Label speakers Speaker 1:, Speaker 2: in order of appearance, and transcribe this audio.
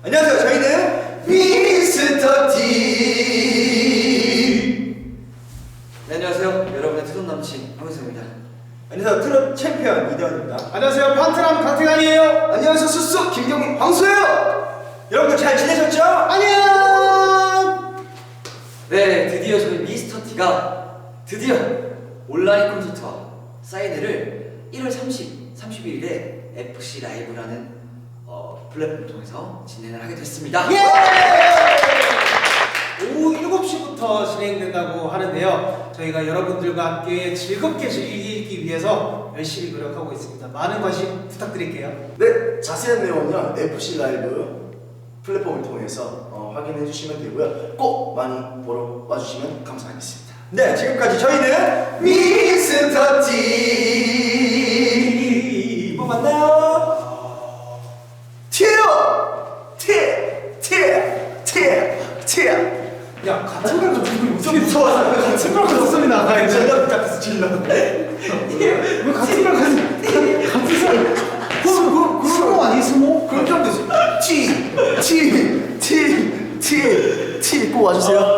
Speaker 1: 안녕하세요. 저희는 미스터 T.
Speaker 2: 네, 안녕하세요. 여러분의 트롯 남친 황은성입니다.
Speaker 1: 안녕하세요. 트롯 챔피언 이대원입니다.
Speaker 3: 안녕하세요. 판트람 강태관이에요.
Speaker 1: 안녕하세요. 수수 김경민 황수예요. 여러분들 잘 지내셨죠?
Speaker 3: 안녕.
Speaker 2: 네, 드디어 저희 미스터 T가 드디어 온라인 콘서트와 사인회를 1월 31일에 FC 라이브라는 플랫폼을 통해서 진행을 하게 됐습니다.
Speaker 3: 예! 오후 7시부터 진행된다고 하는데요. 저희가 여러분들과 함께 즐겁게 즐기기 위해서 열심히 노력하고 있습니다. 많은 관심 부탁드릴게요.
Speaker 4: 네, 자세한 내용은요 FC 라이브 플랫폼을 통해서 확인해 주시면 되고요. 꼭 많이 보러 와주시면 감사하겠습니다.
Speaker 1: 네, 지금까지 저희는 미스터 T. 뭐 맞나요?
Speaker 4: 티요! 티!
Speaker 3: 야, 같은 걸 가지고
Speaker 1: 좀 무서워서
Speaker 3: 같은 걸 가지고 소리 나가요.
Speaker 1: 질러 붙잡혀서 질러.
Speaker 3: 왜 같은 걸 가지고 같은 사람 스모 아니 스모?
Speaker 4: 그렇게 하면 되지. 티 꼭 와주세요.